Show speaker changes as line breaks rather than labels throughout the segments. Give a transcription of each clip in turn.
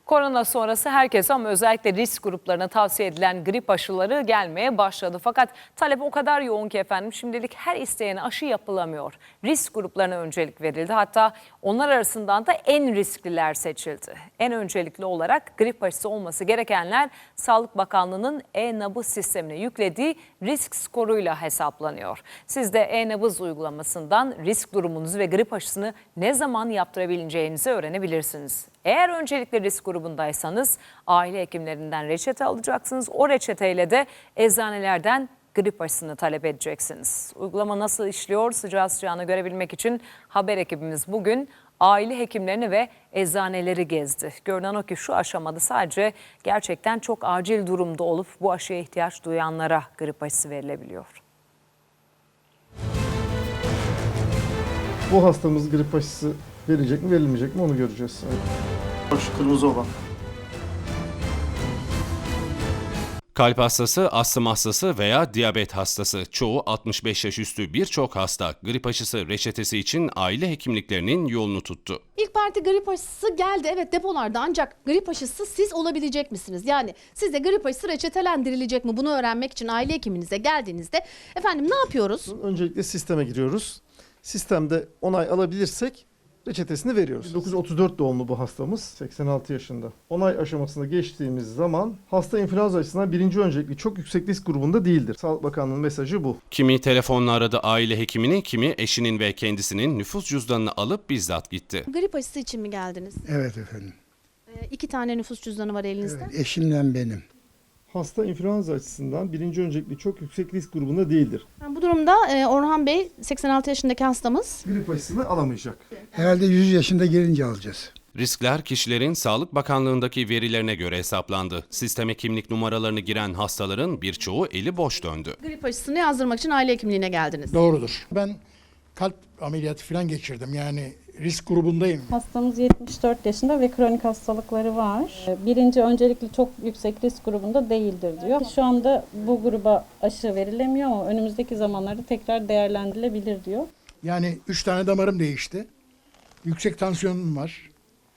Korona sonrası herkes ama özellikle risk gruplarına tavsiye edilen grip aşıları gelmeye başladı. Fakat talep o kadar yoğun ki efendim şimdilik her isteyene aşı yapılamıyor. Risk gruplarına öncelik verildi. Hatta onlar arasından da en riskliler seçildi. En öncelikli olarak grip aşısı olması gerekenler Sağlık Bakanlığı'nın e-nabız sistemine yüklediği risk skoruyla hesaplanıyor. Siz de e-nabız uygulamasından risk durumunuzu ve grip aşısını ne zaman yaptırabileceğinizi öğrenebilirsiniz. Eğer öncelikle risk grubundaysanız aile hekimlerinden reçete alacaksınız. O reçeteyle de eczanelerden grip aşısını talep edeceksiniz. Uygulama nasıl işliyor sıcağı sıcağına görebilmek için haber ekibimiz bugün aile hekimlerini ve eczaneleri gezdi. Görünen o ki şu aşamada sadece gerçekten çok acil durumda olup bu aşıya ihtiyaç duyanlara grip aşısı verilebiliyor.
Bu hastamız grip aşısı verilecek mi verilmeyecek mi onu göreceğiz.
Şu kırmızı olan.
Kalp hastası, astım hastası veya diyabet hastası, çoğu 65 yaş üstü birçok hasta grip aşısı reçetesi için aile hekimliklerinin yolunu tuttu.
İlk parti grip aşısı geldi, evet, depolarda, ancak grip aşısı siz olabilecek misiniz? Yani size grip aşısı reçetelendirilecek mi? Bunu öğrenmek için aile hekiminize geldiğinizde efendim ne yapıyoruz?
Öncelikle sisteme giriyoruz. Sistemde onay alabilirsek reçetesini veriyoruz. 1934 doğumlu bu hastamız, 86 yaşında. Onay aşamasına geçtiğimiz zaman hasta influenza açısından birinci öncelikli çok yüksek risk grubunda değildir. Sağlık Bakanlığı'nın mesajı bu.
Kimi telefonla aradı aile hekimini, kimi eşinin ve kendisinin nüfus cüzdanını alıp bizzat gitti.
Grip aşısı için mi geldiniz?
Evet efendim.
2 tane nüfus cüzdanı var elinizde.
Evet, eşimle benim.
Hasta influenza açısından birinci öncelikli çok yüksek risk grubunda değildir.
Yani bu durumda Orhan Bey, 86 yaşındaki hastamız.
Grip aşısını alamayacak.
Herhalde 100 yaşında gelince alacağız.
Riskler kişilerin Sağlık Bakanlığı'ndaki verilerine göre hesaplandı. Sisteme kimlik numaralarını giren hastaların birçoğu eli boş döndü.
Grip aşısını yazdırmak için aile hekimliğine geldiniz.
Doğrudur. Ben kalp ameliyatı falan geçirdim. Yani risk grubundayım.
Hastamız 74 yaşında ve kronik hastalıkları var. Birinci öncelikli çok yüksek risk grubunda değildir diyor. Şu anda bu gruba aşı verilemiyor ama önümüzdeki zamanlarda tekrar değerlendirilebilir diyor.
Yani 3 tane damarım değişti. Yüksek tansiyonum var.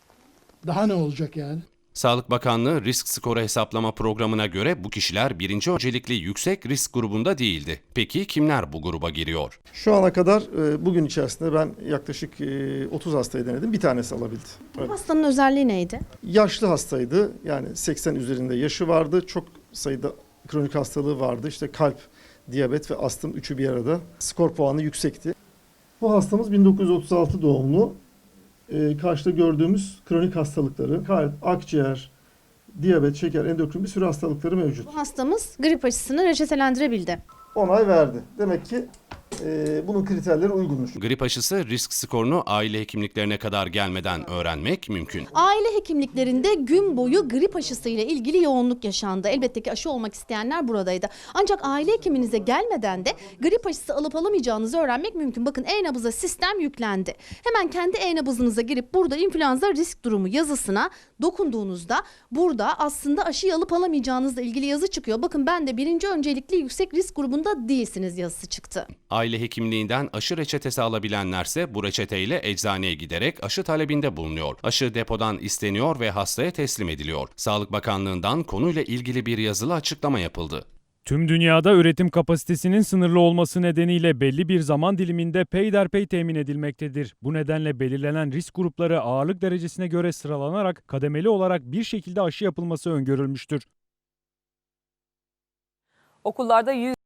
Daha ne olacak yani?
Sağlık Bakanlığı risk skoru hesaplama programına göre bu kişiler birinci öncelikli yüksek risk grubunda değildi. Peki kimler bu gruba giriyor?
Şu ana kadar bugün içerisinde ben yaklaşık 30 hastayı denedim. Bir tanesi alabildi.
Bu hastanın özelliği neydi?
Yaşlı hastaydı. Yani 80 üzerinde yaşı vardı. Çok sayıda kronik hastalığı vardı. İşte kalp, diyabet ve astım üçü bir arada. Skor puanı yüksekti. Bu hastamız 1936 doğumlu. Karşıda gördüğümüz kronik hastalıkları, kalp, akciğer, diyabet, şeker, endokrin bir sürü hastalıkları mevcut.
Bu hastamız grip aşısını reçetelendirebildi.
Onay verdi. Demek ki bunun kriterleri uygunmuş.
Grip aşısı risk skorunu aile hekimliklerine kadar gelmeden öğrenmek mümkün.
Aile hekimliklerinde gün boyu grip aşısı ile ilgili yoğunluk yaşandı. Elbette ki aşı olmak isteyenler buradaydı. Ancak aile hekiminize gelmeden de grip aşısı alıp alamayacağınızı öğrenmek mümkün. Bakın e-nabıza sistem yüklendi. Hemen kendi e-nabızınıza girip burada influenza risk durumu yazısına dokunduğunuzda burada aslında aşıyı alıp alamayacağınızla ilgili yazı çıkıyor. Bakın ben de birinci öncelikli yüksek risk grubunda değilsiniz yazısı çıktı.
Aile hekimliğinden aşı reçetesi alabilenlerse bu reçeteyle eczaneye giderek aşı talebinde bulunuyor. Aşı depodan isteniyor ve hastaya teslim ediliyor. Sağlık Bakanlığı'ndan konuyla ilgili bir yazılı açıklama yapıldı.
Tüm dünyada üretim kapasitesinin sınırlı olması nedeniyle belli bir zaman diliminde peyderpey temin edilmektedir. Bu nedenle belirlenen risk grupları ağırlık derecesine göre sıralanarak kademeli olarak bir şekilde aşı yapılması öngörülmüştür.
Okullarda